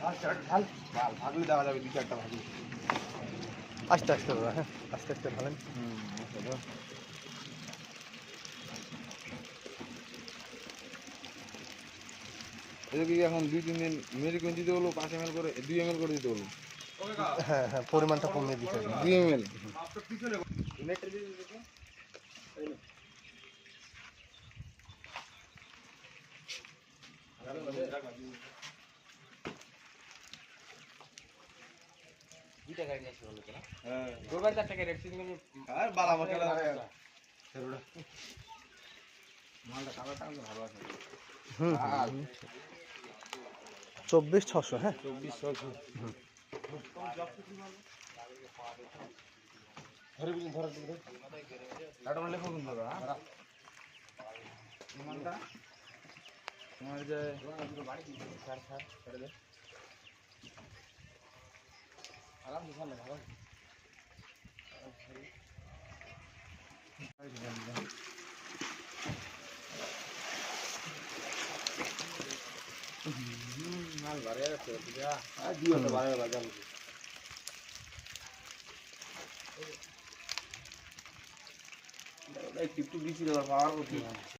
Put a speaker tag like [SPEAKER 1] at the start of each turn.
[SPEAKER 1] ভাগলে দেখা যাবে 2-4টা ভাগলে।
[SPEAKER 2] আস্তে আস্তে দাদা, হ্যাঁ আস্তে আস্তে ঢালেন।
[SPEAKER 1] এটা কি এখন 2-3 দিন মেরিকুইন দিতে হলো 5 ml করে 2 ml করে দিতে হলো।
[SPEAKER 2] হ্যাঁ হ্যাঁ, পরিমাণটা কমিয়ে দিতে হবে।
[SPEAKER 1] 2 ml।
[SPEAKER 3] দুইটা গাড়ি নিয়ে আসতে বললো তো না?
[SPEAKER 1] হ্যাঁ
[SPEAKER 3] গোরবান 4 টাকা রেট সিজনে
[SPEAKER 1] আর বালা মশলা মালটা কালারটা কিন্তু ভালো আছে।
[SPEAKER 2] হুম 24,600, হ্যাঁ
[SPEAKER 1] 2400। ধরে বিন ধরে দিন। এটা মানে লেখো কিন্তু দাদা। মালটা তোমার যে বাড়ি দিন স্যার করে দে। আরাম দিছান না ভালো। মাল বাড়ে আছে বুঝা আর দিও তো বাড়ে বাজার এই টিপটু দিছি রে পাওয়ার করতে